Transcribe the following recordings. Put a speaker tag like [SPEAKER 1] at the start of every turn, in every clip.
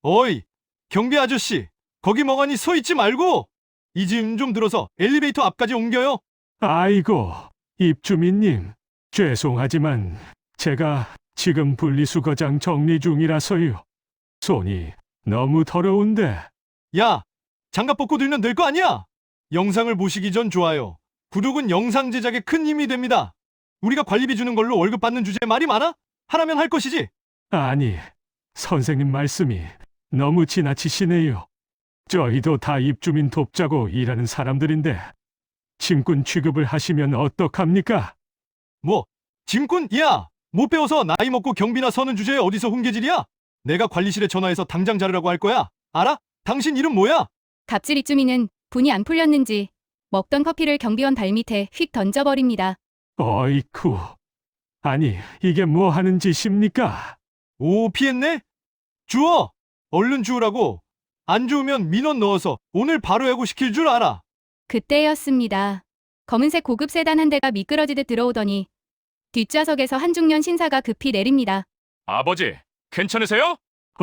[SPEAKER 1] 어이, 경비 아저씨, 거기 멍하니 서 있지 말고 이 짐 좀 들어서 엘리베이터 앞까지 옮겨요.
[SPEAKER 2] 아이고, 입주민님, 죄송하지만 제가 지금 분리수거장 정리 중이라서요. 손이 너무 더러운데.
[SPEAKER 1] 야, 장갑 벗고 들면 될 거 아니야? 영상을 보시기 전 좋아요. 구독은 영상 제작에 큰 힘이 됩니다. 우리가 관리비 주는 걸로 월급 받는 주제에 말이 많아? 하라면 할 것이지.
[SPEAKER 2] 아니, 선생님 말씀이 너무 지나치시네요. 저희도 다 입주민 돕자고 일하는 사람들인데 짐꾼 취급을 하시면 어떡합니까?
[SPEAKER 1] 뭐, 짐꾼? 야, 못 배워서 나이 먹고 경비나 서는 주제에 어디서 훈계질이야? 내가 관리실에 전화해서 당장 자르라고 할 거야. 알아? 당신 이름 뭐야?
[SPEAKER 3] 갑질 입주민은 분이 안 풀렸는지 먹던 커피를 경비원 발밑에 휙 던져버립니다.
[SPEAKER 2] 어이쿠. 아니, 이게 뭐 하는 짓입니까?
[SPEAKER 1] 오, 피했네? 주워! 얼른 주우라고. 안 주우면 민원 넣어서 오늘 바로 해고시킬 줄 알아.
[SPEAKER 3] 그때였습니다. 검은색 고급 세단 한 대가 미끄러지듯 들어오더니 뒷좌석에서 한중년 신사가 급히 내립니다.
[SPEAKER 4] 아버지, 괜찮으세요?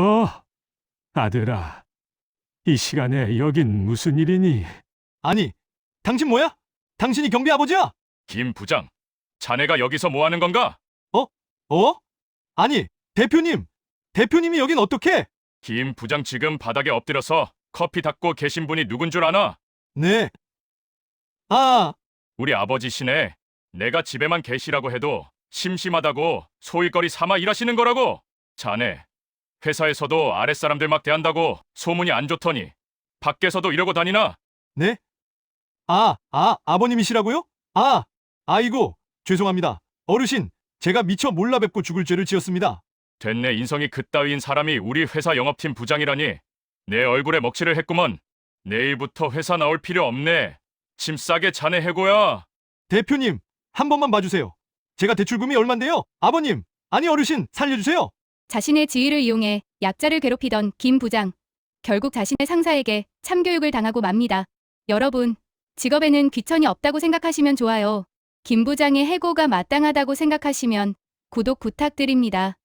[SPEAKER 2] 아들아. 이 시간에 여긴 무슨 일이니?
[SPEAKER 1] 아니, 당신 뭐야? 당신이 경비 아버지야?
[SPEAKER 4] 김 부장, 자네가 여기서 뭐 하는 건가?
[SPEAKER 1] 어? 아니, 대표님! 대표님이 여긴 어떻게?
[SPEAKER 4] 김 부장 지금 바닥에 엎드려서 커피 닦고 계신 분이 누군 줄 아나?
[SPEAKER 1] 네. 아,
[SPEAKER 4] 우리 아버지시네. 내가 집에만 계시라고 해도 심심하다고 소일거리 삼아 일하시는 거라고. 자네, 회사에서도 아랫사람들 막 대한다고 소문이 안 좋더니 밖에서도 이러고 다니나?
[SPEAKER 1] 네? 아버님이시라고요? 아이고, 죄송합니다. 어르신, 제가 미처 몰라 뵙고 죽을 죄를 지었습니다.
[SPEAKER 4] 됐네, 인성이 그따위인 사람이 우리 회사 영업팀 부장이라니. 내 얼굴에 먹칠을 했구먼. 내일부터 회사 나올 필요 없네. 짐 싸게 자네 해고야.
[SPEAKER 1] 대표님, 한 번만 봐주세요. 제가 대출금이 얼만데요? 아버님, 아니 어르신, 살려주세요.
[SPEAKER 3] 자신의 지위를 이용해 약자를 괴롭히던 김 부장. 결국 자신의 상사에게 참교육을 당하고 맙니다. 여러분, 직업에는 귀천이 없다고 생각하시면 좋아요. 김 부장의 해고가 마땅하다고 생각하시면 구독 부탁드립니다.